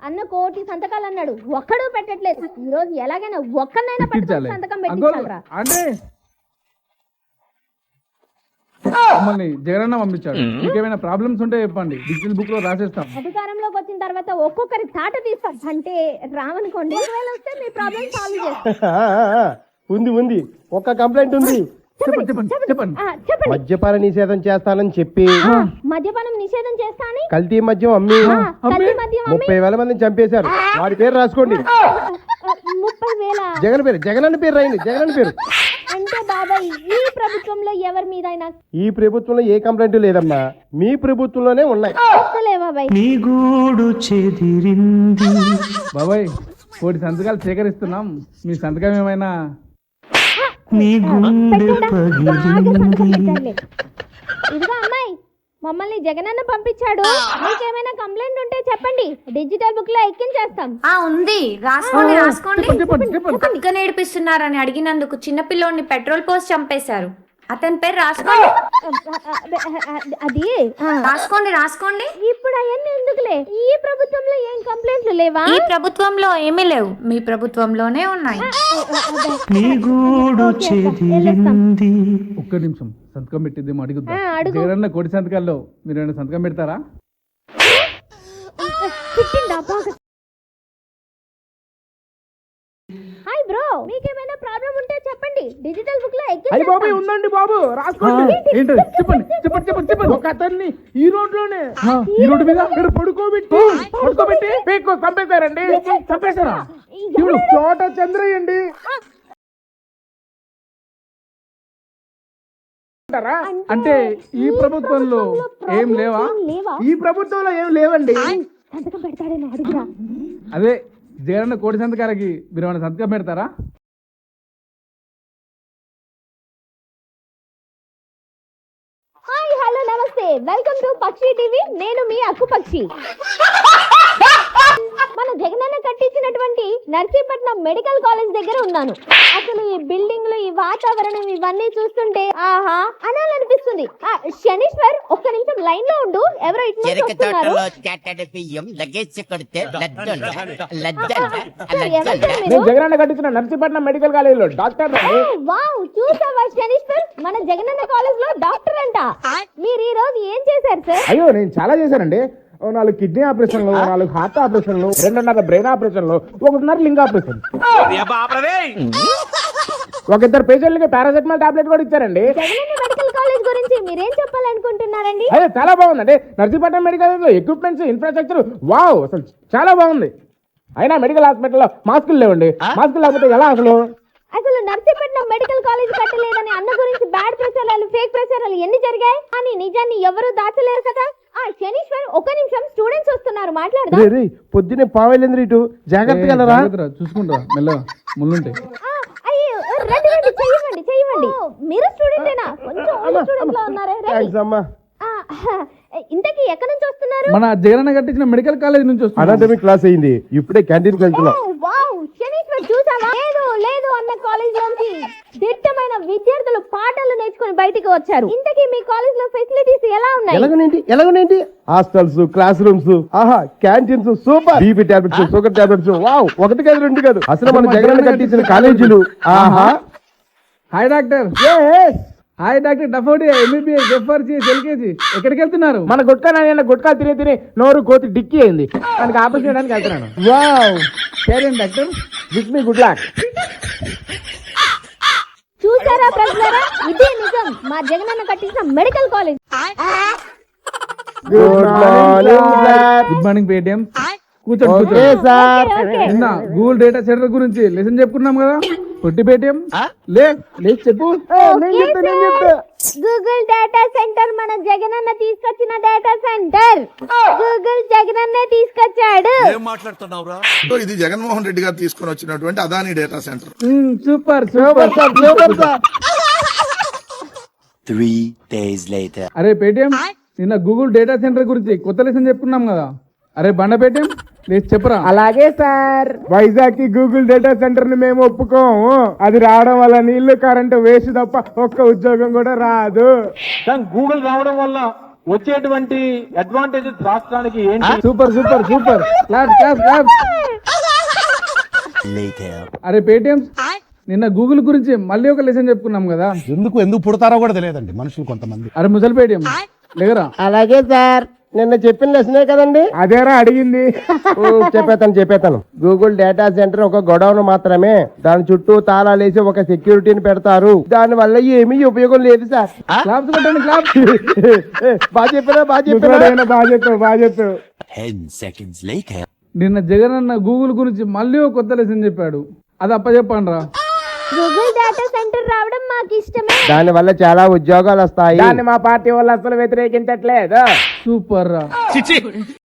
అన్న కోటి సంతకాలు అన్నాడు, ఒక్కడు పెట్టట్లేదు. ఈ రోజు ఎలాగైనా ఒక్కనైనా పట్టుకొని సంతకం పెట్టించాలరా. అంటే మమ్మల్ని జగనన్న పంపించాడు. మీకేమైనా ప్రాబ్లమ్స్ ఉంటే చెప్పండి, డిజిటల్ బుక్ లో రాసేస్తాం. అధికారంలోకి వచ్చిన తర్వాత ఒక్కొక్కరి తాట తీస్తాం. అంటే రావనుకోండి, వస్తే మీ ప్రాబ్లమ్ సాల్వ్ చేస్తాం. ఉంది ఒక్క కంప్లైంట్ ఉంది. చెప్పండి. మద్యపాన నిషేధం చేస్తానని చెప్పి మద్యపానం నిషేధం చేస్తా అని కల్తీ మద్యం అమ్మి కల్తీ మద్యం 30,000 మందిని చంపేశారు. వాడి పేరు రాసుకోండి. 30,000 జగన్ అన్న పేరు రాయండి. జగన్ అన్న పేరు. అంటే బాబాయ్, ఈ ప్రభుత్వంలో ఎవరి మీద అయినా ఈ ప్రభుత్వంలో ఏ కంప్లైంట్ లేదమ్మా, మీ ప్రభుత్వంలోనే ఉన్నాయి. బాబాయ్ బాబాయ్ కోటి సంతకాలు సేకరిస్తున్నాం, మీ సంతకం ఏమైనా ఇదిగో అమ్మాయి, మమ్మల్ని జగనన్న పంపించాడు. మీకేమైనా కంప్లైంట్ ఉంటే చెప్పండి, డిజిటల్ బుక్ లో ఎక్కించేస్తాం. ఉంది, రాసుకోండి. కుక్క నేర్పిస్తున్నారని అడిగినందుకు చిన్నపిల్లోని పెట్రోల్ పోసి చంపేశారు. అతని పేరు రాసుకోండి. అది రాసుకోండి. ఇప్పుడు అవన్నీ ఎందుకులే, ఈ ప్రభుత్వంలో ఏం కంప్లైంట్లు లేవా? ఈ ప్రభుత్వంలో ఏమీ లేవు, మీ ప్రభుత్వంలోనే ఉన్నాయి. ఒక్క నిమిషం సంతకం పెట్టిద్దేమో అడుగుద్దాం. జగనన్న కోటి సంతకాల్లో మీరు ఏమైనా సంతకం పెడతారా? హాయ్ బ్రో, మీకేమైనా ప్రాబ్లం ఉంటే చెప్పండి, డిజిటల్ బుక్ లో ఉందండి బాబు, రాసుకోండి. ఏంటది? చెప్పండి. ఒక అతన్ని ఈ రోడ్లోనే ఈ రోడ్డు మీద పడుకోబెట్టి పీక్కు చంపేశారండి. చంపేశారా? ఇప్పుడు చోట చంద్రయ్య అండి. అంటే ఈ ప్రభుత్వంలో ఏం లేవా? ఈ ప్రభుత్వంలో ఏం లేవండి. సంతకం పెడతాడేమో అడుగురా. అదే జగనన్న కోటి సంతకాలకి మీరు ఏమైనా సంతకం పెడతారా? Hi, hello, namaste, welcome to Pakshi TV. నేను మీ అక్కు పక్షి. మన జగనన్న కట్టించినటువంటి నర్సీపట్నం మెడికల్ కాలేజ్ దగ్గర ఉన్నాను. అసలు ఈ బిల్డింగ్లు, ఈ వాతావరణం, ఇవన్నీ చూస్తుంటే ఆహా అనాలనిపిస్తుంది. శనీశ్వర్, ఒక్క నిమిషం లైన్ లో ఉండు. ఎవరో ఇటు జగనన్న కట్టించిన నర్సీపట్నం మెడికల్ కాలేజ్ లో డాక్టర్. వావ్, చూసావా శనీశ్వర్, మన జగనన్న కాలేజ్ లో డాక్టర్ అంట. మీరు ఈ రోజు ఏం చేశారు సార్? అయ్యో, నేను చాలా చేశానండి. 4 కిడ్నీ ఆపరేషన్లు, 4 హార్ట్ ఆపరేషన్లు, 2.5 బ్రెయిన్ ఆపరేషన్లు, 1.5 లింగ్ ఆపరేషన్. 2 పేషెంట్లకి పారాసెటమాల్ టాబ్లెట్ కూడా ఇచ్చారండి. జగనన్న మెడికల్ కాలేజ్ గురించి మీరేం చెప్పాలనుకుంటున్నారండి? అదే చాలా బాగుందండి. నర్సీపట్నం మెడికల్ కాలేజ్ లో ఎక్విప్మెంట్స్, ఇన్ఫ్రాస్ట్రక్చర్ వావ్, అసలు చాలా బాగుంది. అయినా మెడికల్ హాస్పిటల్లో మాస్కులు లేవండి. మాస్కులు లేకపోతే ఎలా అసలు నర్సీపట్నం మెడికల్ కాలేజ్ కట్టలేదని అన్న గురించి బ్యాడ్ ప్రచారాలు, ఫేక్ ప్రచారాలు ఎన్ని జరిగాయి? కానీ నిజాన్ని ఎవరు దాచలేరు కదా. శనీశ్వర్, ఒక్క నిమిషం, స్టూడెంట్స్ వస్తున్నారు, మాట్లాడదాం. పొద్దునే పావేలేంద్ర ఇటు జాగ్రత్తగా చూసుకుంటా మెల్ల ముళ్ళుంటే. అయ్యో, రండి, చెయ్యండి. మీరు స్టూడెంటేనా? కొంచెం ఓల్డ్ స్టూడెంట్ లా ఉన్నారే. ఇంతకీ ఎక్కడి నుంచి వస్తున్నారు? మన జగనన్న కట్టించిన మెడికల్ కాలేజ్ నుంచి అనాటమీ క్లాస్ అయింది, ఇప్పుడే క్యాంటీన్ వెళ్తున్నాం. శనీశ్వర్, చూసావా? లేదు అన్న కాలేజ్ నుంచి దిట్టమైన విద్యార్థులు పాఠాలు నేర్చుకుని బయటికి వచ్చారు. ఇంతకీ మీ కాలేజ్ లో ఫెసిలిటీస్ ఎలా ఉన్నాయి? ఎలాగనేంటి? హాస్టల్స్, క్లాస్ రూమ్స్, ఆహా, canteens super. BP tablets, sugar tablets, wow, 1 కాదు 2 కాదు. అసలు మన జగనన్న కట్టించిన కాలేజీలు ఆహా. Hi doctor. హాయ్ డాక్టర్ డఫోడి, ఎంబీబీఎస్, FRCS, LKG. ఎక్కడికి వెళ్తున్నారు? మన గుట్కా తినే నోరు కోతి డిక్కి అయింది, దానికి ఆపరేషన్ చేయడానికి వెళ్తున్నాను. వావ్, సరే doctor, wish me good luck. చూసారా ప్రజలారా, ఇదే నిజం మా జగనన్న కట్టించిన medical college. Good morning Paytm. కూర్చోండి. నిన్న గూగుల్ డేటా సెంటర్ గురించి లెసన్ చెప్పుకున్నాం కదా. పొట్టి పేటిఎం లేచి చెప్పు. గూగుల్ డేటా సెంటర్ మన జగనన్న తీసుకొచ్చిన డేటా సెంటర్. గూగుల్ జగనన్నే తీసుకొచ్చాడు. ఏం మాట్లాడుతున్నావురా? ఇది జగన్మోహన్ రెడ్డి గారు తీసుకొని వచ్చినటువంటి Adani data centre. Super. 3 days later. అరే పేటిఎం, నిన్న గూగుల్ డేటా సెంటర్ గురించి కొత్త లెసన్ చెప్పుకున్నాం కదా. అరే బండ పేటిఎం, లేచి చెప్పరా. అలాగే సార్, వైజాగ్ కి గూగుల్ డేటా సెంటర్ ని మేము ఒప్పుకోము. అది రావడం వల్ల నీళ్లు, కరెంటు వేస్ట్ తప్ప ఒక్క ఉద్యోగం కూడా రాదు. గూగుల్ రావడం వల్ల వచ్చేటువంటి అడ్వాంటేజెస్ రాష్ట్రానికి ఏంటి? Super super super clap clap clap. Later. అరే పేటిఎం, నిన్న గూగుల్ గురించి మళ్ళీ ఒక లెసన్ చెప్పుకున్నాం కదా. ఎందుకు పుడతారో కూడా తెలియదండి మనుషులు కొంతమంది. అరే ముసలి పేటిఎం లేగరా. అలాగే సార్, నిన్న చెప్పిన లెసనే కదండి. అదేరా అడిగింది. చెప్పేతాను. గూగుల్ డేటా సెంటర్ ఒక గొడవను మాత్రమే. దాని చుట్టూ తాళాలేసి ఒక సెక్యూరిటీని పెడతారు. దాని వల్ల ఏమీ ఉపయోగం లేదు సార్. క్లాప్స్ కొట్టండి క్లాప్. బాగా చెప్పారా? బాగా చెప్పావు. 10 seconds later. నిన్న జగన్ అన్న గూగుల్ గురించి మళ్ళీ ఒక కొత్త లెసన్ చెప్పాడు. అది అప్పచెప్పండి రా. గూగుల్ డేటా సెంటర్ రావడం మాకు ఇష్టమే. దాని వల్ల చాలా ఉద్యోగాలు వస్తాయి. మా పార్టీ వాళ్ళు అసలు వ్యతిరేకించట్లేదు. సూపర్ రా.